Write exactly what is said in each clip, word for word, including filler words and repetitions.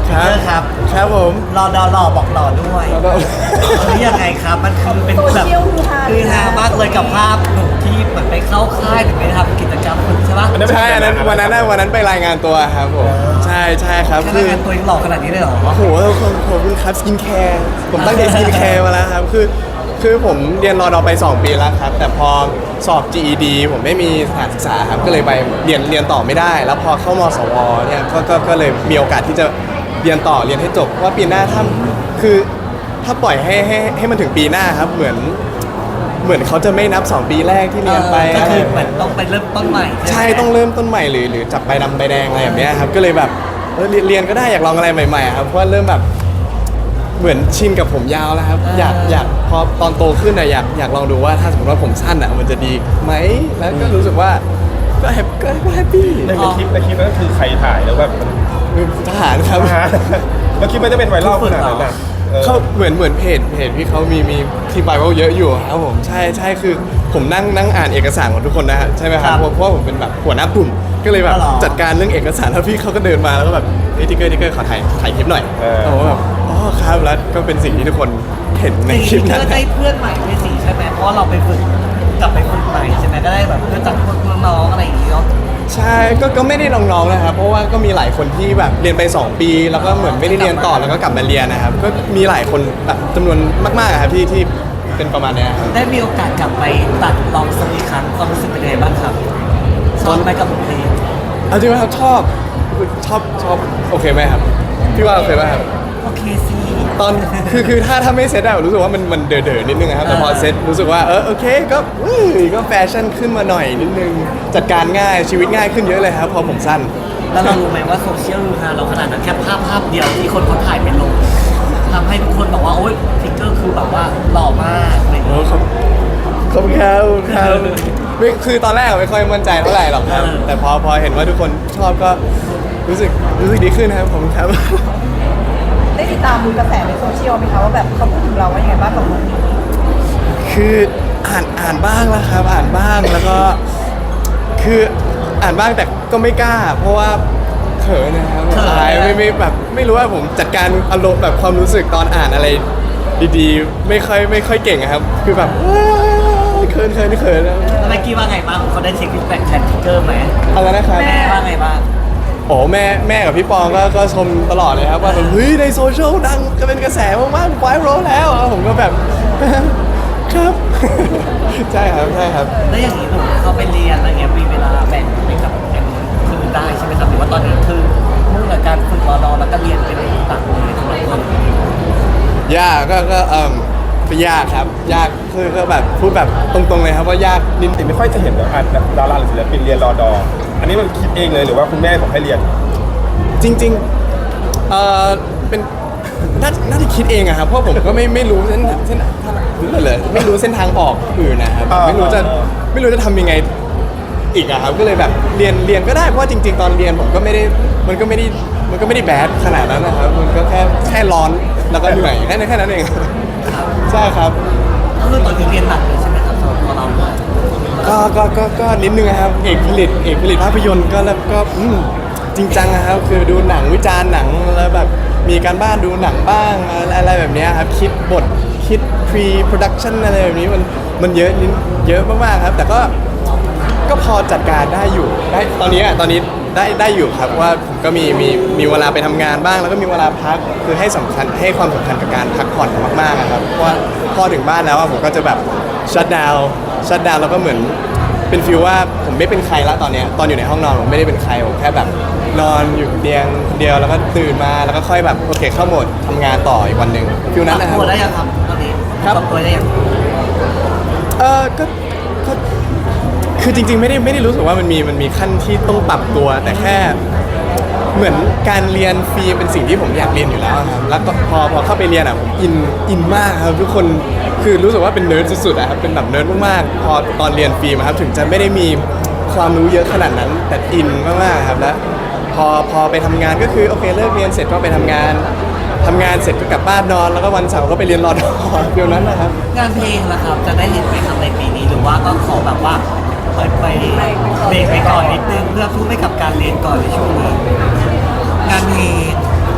ครับครับครับผมรอดอรอบอกต่อด้วยเฮ้ยยังไงครับมันคือเป็นแบบคือฮามากเลยกับภาพหนุ่มที่เหมือนไปเข้าค่ายหรือไปทำกิจกรรมฝึกใช่ปะใช่อันนั้นวันนั้นวันนั้นไปรายงานตัวครับผมใช่ใช่ครับคือรายงานตัวยังหล่อขนาดนี้เลยเหรอโอ้โหขอบคุณครับสกินแคร์ผมตั้งใจสกินแคร์มาแล้วครับคือคือผมเรียนรอดอไปสองปีแล้วครับแต่พอสอบ จี อี ดี ผมไม่มีสถานศึกษาครับก็เลยไปเรียนเรียนต่อไม่ได้แล้วพอเข้ามสวเนี่ยก็ก็ก็เลยมีโอกาสที่จะเรียนต่อเรียนให้จบเพราะว่าปีหน้าถ้าคือถ้าปล่อยให้ให้ให้มันถึงปีหน้าครับเหมือนเหมือนเขาจะไม่นับสองปีแรกที่เรียนไปก็คือเหมือนต้องไปเริ่มต้นใหม่ใช่ต้องเริ่มต้นใหม่หรือหรือจับใบดำใบแดงอะไรแบบนี้ครับก็เลยแบบเออเรียนก็ได้อยากลองอะไรใหม่ๆครับเพราะว่าเริ่มแบบเหมือนชินกับผมยาวแล้วครับอยากอยากพอตอนโตขึ้นอะอยากอยากลองดูว่าถ้าสมมติว่าผมสั้นอะมันจะดีไหมแล้วก็รู้สึกว่าก็แฮปก็ก็แฮปปี้ในคลิปในคลิปนั้นก็คือใครถ่ายแล้วแบบทหารครับแล้วคลิปมันจะเป็นไวรัลขนาดนั้นนะเขาเหมือนเหมือนเพจเพจพี่เขามีมีทีมไบเบิลเยอะอยู่ครับผมใช่ใช่คือผมนั่งนั่งอ่านเอกสารของทุกคนนะฮะใช่ไหมครับเพราะว่าผมเป็นแบบหัวหน้ากลุ่มก็เลยแบบจัดการเรื่องเอกสารแล้วพี่เขาก็เดินมาแล้วก็แบบเฮ้ยทิกเกอร์ทิกเกอร์ขอถ่ายถ่ายคลิปหน่อยผมแบบอ๋อครับแล้วก็เป็นสิ่งที่ทุกคนเห็นในคลิปนั้นได้เพื่อนใหม่ไปสิใช่ไหมเพราะเราไปฝึกกลับไปฝึกใหม่ใช่ไหมก็ได้แบบเพื่อนจากพวกน้องอะไรอย่างเงี้ยใช่ก็ก็ไม่ได้น้องๆนะครับเพราะว่าก็มีหลายคนที่แบบเรียนไปสองปีแล้วก็เหมือนไม่ได้เรียนต่อแล้วก็กลับมาเรียนนะครับก็มีหลายคนแบบจำนวนมากๆครับที่ที่เป็นประมาณนี้ครับได้มีโอกาสกลับไปตัดลองสักครั้งความรู้สึกเป็นยังไงบ้างครับชอบไหมกับบทเพลงเอาจริงไหมครับชอบชอบชอบโอเคไหมครับพี่ว่าโอเคไหมครับโอเคสิตอนคือคือถ้าถ้าไม่เซ็ตอะรู้สึกว่ามันมันเด๋อๆนิดนึงครับแต่พอเซ็ตรู้สึกว่าเออโอเคก็ก็แฟชั่นขึ้นมาหน่อยนิดนึงจัดการง่ายชีวิตง่ายขึ้นเยอะเลยครับพอผมสั้นแล้วเรารู้ไหมว่าโซเชียลรูฮาเราขนาดนั้นแค่ภาพภาพเดียวที่คนเขาถ่ายเป็นลงทำให้ทุกคนบอกว่าโอ๊ยทิกเกอร์คือแบบว่าหล่อมากอะไรอย่างเงี้ยขอบคุณครับครับไม่คือตอนแรกไม่ค่อยมั่นใจเท่าไหร่หรอกครับแต่พอพอเห็นว่าทุกคนชอบก็รู้สึกรู้สึกดีขึ้นครับผมครับได้ติดตามดูกระแสในโซเชียลไหมคะว่าแบบเขาพูดถึงเราว่ายังไงบ้างกับลุคนี้คืออ่านอ่านบ้างแล้วครับอ่านบ้างแล้วก็คืออ่านบ้างแต่ก็ไม่กล้าเพราะว่าเขินนะครับอายไม่ไม่แบบไม่รู้ว่าผมจัดการอารมณ์แบบความรู้สึกตอนอ่านอะไรดีๆไม่ค่อยไม่ค่อยเก่งครับคือแบบเขินเขินเขินแล้วเมื่อกี้ว่าไงบ้างเขาได้เช็คฟีดแบ็กแทนทิกเกอร์ไหมอะไรนะครับแม่ว่าไงบ้างโอ้แม่แม่กับพี่ปองก็ก็ชมตลอดเลยครับว่าแบบเฮ้ยในโซเชียลดังก็เป็นกระแสมากๆไวรัลแล้วผมก็แบบครับใช่ครับใช่ครับแล้วอย่างนี้หนูเขาไปเรียนอะไรเงี้ยมีเวลาแบ่งให้กับแอนคือได้ใช่ไหมครับหรือว่าตอนนี้คือมุ่งกับการฝึกรอดอแล้วก็เรียนเป็นต่างเลยทั้งหมดยากก็ก็เอ่อยากครับยากคือก็แบบพูดแบบตรงๆเลยครับว่ายากนิดไม่ค่อยจะเห็นแบบดาราหรือศิลปินเรียนรอดออันนี้มันคิดเองเลยหรือว่าคุณแม่บอกให้เรียนจริงๆเอ่อเป็นน่าน่าจะคิดเองอะครับเพราะผมก็ไม่ไม่รู้เส้นเส้นรู้เลยไม่รู้เส้นทางออกอื่นนะครับไม่รู้จะไม่รู้จะทำยังไงอีกอะครับก็เลยแบบเรียนเรียนก็ได้เพราะว่าจริงๆตอนเรียนผมก็ไม่ได้มันก็ไม่ได้มันก็ไม่ได้แบดขนาดนั้นนะครับมันก็แค่แค่ร้อนแล้วก็เหนื่อยแค่นั้นแค่นั้นเองใช่ครับก็คือตอนนี้เรียนหนักเลยใช่ไหมครับสำหรับตัวเราก็ก็ก็ก็นิดนึงครับเอกผลิตเอกผลิตภาพยนตร์ก็แล้วก็จริงจังนะครับคือดูหนังวิจารณ์หนังแล้วแบบมีการบ้านดูหนังบ้างอะไรแบบนี้ครับคิดบทคิด pre production อะไรแบบนี้มันมันเยอะนิดเยอะมากๆครับแต่ก็ก็พอจัดการได้อยู่ได้ตอนนี้ตอนนี้ได้ได้อยู่ครับว่าผมก็มีมีมีเวลาไปทำงานบ้างแล้วก็มีเวลาพักคือให้สำคัญให้ความสำคัญกับการพักผ่อนมากๆครับเพราะว่าพอถึงบ้านแล้วผมก็จะแบบชัตดาวน์ชัตดาวน์แล้วก็เหมือนเป็นฟีลว่าผมไม่เป็นใครละตอนนี้ตอนอยู่ในห้องนอนผมไม่ได้เป็นใครผมแค่แบบนอนอยู่เตียงเดียวแล้วก็ตื่นมาแล้วก็ค่อยแบบโอเคเข้าโหมดทำงานต่ออีกวันหนึ่งฟีลนั้นนะครับตัวได้ยังครับตอนนี้ครับตัวได้ยังเออก็ก็คือจริงๆไม่ได้ไม่ได้รู้สึกว่ามันมีมันมีขั้นที่ต้องปรับตัวแต่แค่เหมือนการเรียนฟรีเป็นสิ่งที่ผมอยากเรียนอยู่แล้วครับแล้วก็พอพอเข้าไปเรียนอ่ะผมอินอินมากครับทุกคนคือรู้สึกว่าเป็นเนิร์ดสุดๆอะครับเป็นแบบเนิร์ดมากๆพอตอนเรียนฟรีมาครับถึงจะไม่ได้มีความรู้เยอะขนาดนั้นแต่อินมากๆครับแล้วพอพอไปทำงานก็คือโอเคเลิกเรียนเสร็จก็ไปทำงานทำงานเสร็จก็กลับบ้านนอนแล้วก็วันเสาร์ก็ไปเรียนรอดอเดียวนั้นนะครับงานเพลงล่ะครับจะได้เห็นไหมครับในปีนี้หรือว่าก็ขอแบบว่าไปไปเบรกไปก่อนนิดนึงเพื่อพูดให้กับการเรียนก่อนในช่วงนี้งานเพลงเอ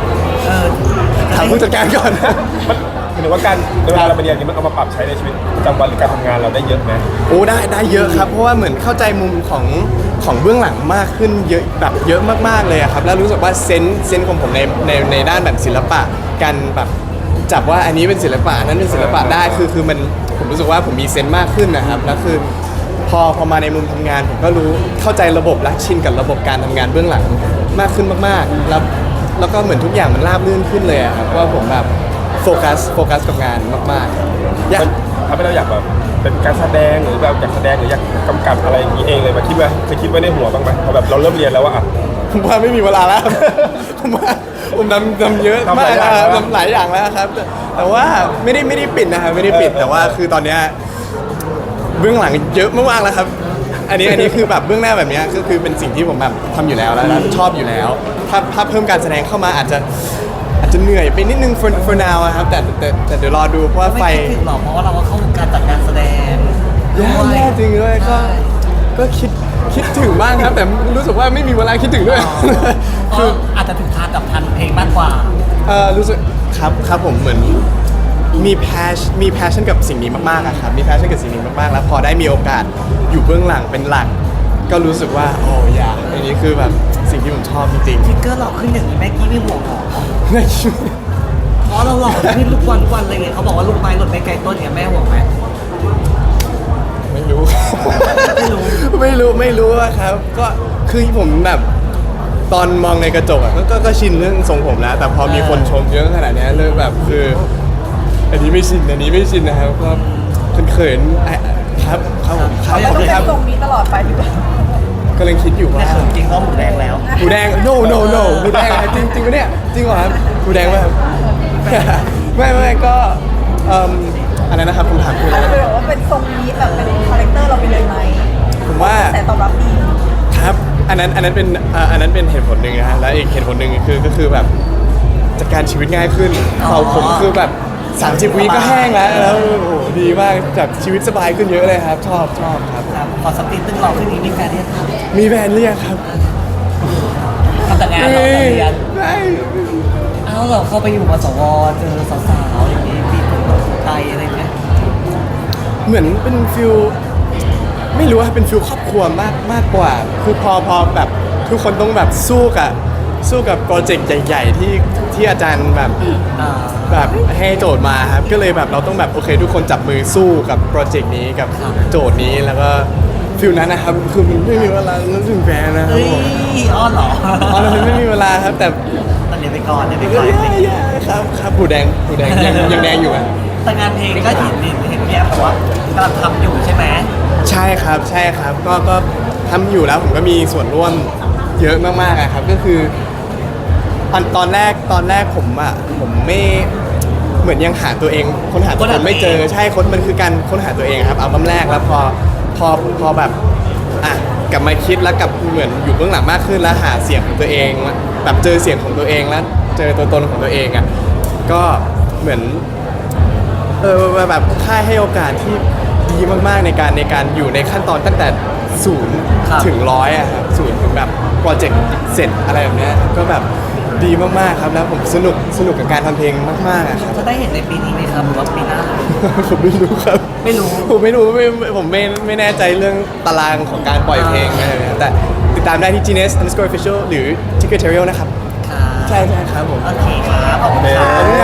ออถามผู้จัดการก่อนมันหมายถึงว่าการเวลาเราไปเรียนนี้มันเอามาปรับใช้ในชีวิตประจำวันหรือการทำงานเราได้เยอะไหมโอ้ได้ได้เยอะครับเพราะว่าเหมือนเข้าใจมุมของของเบื้องหลังมากขึ้นเยอะแบบเยอะมากๆเลยอะครับแล้วรู้สึกว่าเซนส์เซนส์ของผมในในในด้านแบบศิลปะการแบบจับว่าอันนี้เป็นศิลปะอันนั้นเป็นศิลปะได้คือคือมันผมรู้สึกว่าผมมีเซนส์มากขึ้นนะครับแล้วคือพอพอมาในมุมทำงาน ผมก็รู้เข้าใจระบบและชินกับระบบการทำงานเบื้องหลังมากขึ้นมากๆแล้วแล้วก็เหมือนทุกอย่างมันราบรื่นขึ้นเลยอะครับว่าผมแบบโฟกัสโฟกัสกับงานมากๆอยากทำให้เราอยากแบบเป็นการแสดงหรือแบบอยากแสดงหรืออยากกำกับอะไรอย่างนี้เองเลยมาคิดว่าเคยคิดไว้ในหัวบ้างไหมพอแบบเราเริ่มเรียนแล้วว่าอ่ะผมว่าไม่มีเวลาแล้ว ผมว่าผมทำทำเยอะทำหมาลาก ยอย่างนะครับแล้วทำหลายอย่างแล้วครับ แต่แต่ว่าไม่ได้ไม่ได้ปิดนะครับไม่ได้ปิดเออแต่ว่าคือตอนเนี้ยเบื้องหลังเยอะมากๆแล้วครับ อันนี้อันนี้คือแบบเบื้องหน้าแบบเนี้ยก็คือเป็นสิ่งที่ผมแบบทำอยู่แล้วแล้วแล้วชอบอยู่แล้ว ถ้าถ้าเพิ่มการแสดงเข้ามาอาจจะอาจจะเหนื่อยไปนิดนึง for for now อะครับแต่แต่แต่เดี๋ยวรอดูเพราะว่าไฟไม่คิดถึงหรอกเพราะว่าเราก็เข้าวงการจัดงานแสดงแย่แย่จริงด้วยก็ใช่ก็คิดคิดถึงบ้างครับ แต่รู้สึกว่าไม่มีเวลาคิดถึงด้วยเพคือราะอาจจะถึงทางกับทันเพลงมากกว่าเออรู้สึกครับครับผมเหมือนมีแพชมีแพชชั่นกับสิ่งนี้มากๆอะครับมีแพชชั่นกับสิ่งนี้มากๆแล้วพอได้มีโอกาสอยู่เบื้องหลังเป็นหลัก ก็รู้สึกว่าโอ้ยาอันนี้คือแบบสิ่งที่ผมชอบจริงทิกเกอร์หล่อขึ้นอย่างนี้แม่กี้ไม่ห่วงหรอๆในชีวิตเพราะเราหล่อขึ้นทุกวันทุกวันเลยไงเขาบอกว่าลูกไม้หล่นไม่ไกลต้นเนี่ยแม่ห่วงไหมไม่รู้ไม่รู้ไม่รู้ไม่รู้อะครับ ก็คือผมแบบตอนมองในกระจกอะก็ก็ก็ชินเรื่องทรงผมแล้ว แต่พอมีคนชมเยอะขนาดเนี้ยเริ่มแบบคือ อันนี้ไม่ชินอันนี้ไม่ชินนะครับก็เขินๆอ่ะครับครับผมครับเราขอบต้อคุงณเป็คน รับทรงนี้ตลอดไปหรือเปล่ากำลังคิดอยู่ว่าแต่เขินจริงก็หมูแดงแล้วหมูแดง no no no หมูแดงอะจริงจริงปะเนี่ยจริงเหรอครับหมูแดงไหมครับ ไม่ไม่ก็เอ่มอันนั้นนะครับคำถามคืออาอะจไรจะเป็นแบบว่าเป็นทรงนี้แบบเป็นคาแรคเตอร์เราไปเลยไหมผมว่าแต่ตอบรับดีครับอันนั้นอันนั้นเป็นเอ่ออันนั้นเป็นเหตุผลหนึ่งนะฮะแล้วอีกเหตุผลหนึ่งคือก็คือแบบจัดการชีวิตง่ายขึ้นอ๋อเราผมคือแบบ30วิก็แห้งแล้วแล้วโอ้โหดีมากจากชีวิตสบายขึ้นเยอะเลยครับ ชอบชอบครับครับพอสตรีทตึ้งหล่อขึ้นนี้มีแฟนเรียกครับมีแฟนเรียกครับทำแต่งานต่อแต่เรียนไม่เอ้าเราเข้าไปอยู่มสวเจอสาวๆอย่างนี้มีคนตกใจอะไรเงี้ยเหมือนเป็นฟิลไม่รู้ว่าเป็นฟิลครอบครัวมากมากกว่า คือพอพอแบบทุกคนต้องแบบสู้กับสู้กับโปรเจกต์ใหญ่ๆที่ที่อาจารย์แบบอ่าแบบให้โจทย์มาครับก็เลยแบบเราต้องแบบโอเค ทุกคนจับมือสู้กับโปรเจกต์นี้กับครับโจทย์นี้แล้วก็ฟิลนั้นนะครับคือมันไม่มีเวลานึกถึงแฟนนะครับเฮ้ยผมอ้อนเหรออ๋อแล้วมันไม่มีเวลาครับแต่แต่เรียนไปก่อนเรียนไปก็ก่อนแย่ๆครับครับผูแดงผูแดงยังยังแดงอยู่อ่ะแต่งานเพลงก็เห็นเห็นเห็นพี่แอฟบอกว่ากำลังทำอยู่ใช่ไหมใช่ครับใช่ครับก็ก็ทำอยู่แล้วผมก็มีส่วนร่วมเยอะมากๆอะครับก็คือตอนตอนแรกตอนแรกผมอ่ะผมไม่เหมือนยังหาตัวเองค้นหาตัวค้นตหานไม่เจอตัวเองใช่ค้นมันคือการค้นหาตัวเองครับอัลบั้มแรกแล้วพอพอพอแบบอ่ะกลับมาคิดแล้วกลับเหมือนอยู่เบื้องหลังมากขึ้นแล้วหาเสียงของตัวเองแบบเจอเสียงของตัวเองแล้วเจอตัวตนของตัวเองอ่ะก็เหมือน เออแบบค่ายให้โอกาสที่ดีมากๆในการในการอยู่ในขั้นตอนตั้งแต่ศูนย์ครับถึงร้อยอะครับศูนย์ถึงแบบโปรเจกต์เสร็จอะไรแบบเนี้ยก็แบบดีมากๆครับแล้วผมสนุกสนุกกับการทำเพลงมากๆอะครับจะได้เห็นในปีนี้ไหมครับหรือว่าปีหน้าเลยผมไม่รู้ครับไม่รู้ผมไม่รู้ไม่ผมไม่ไม่แน่ใจเรื่องตารางของการปล่อยเพลงอะไรแบบเนี้ยแต่ติดตามได้ที่ Genius underscore official หรือ Ticketerial นะครับครับใช่ใช่ครับผมโอเคครับขอบคุณครัโอเคบ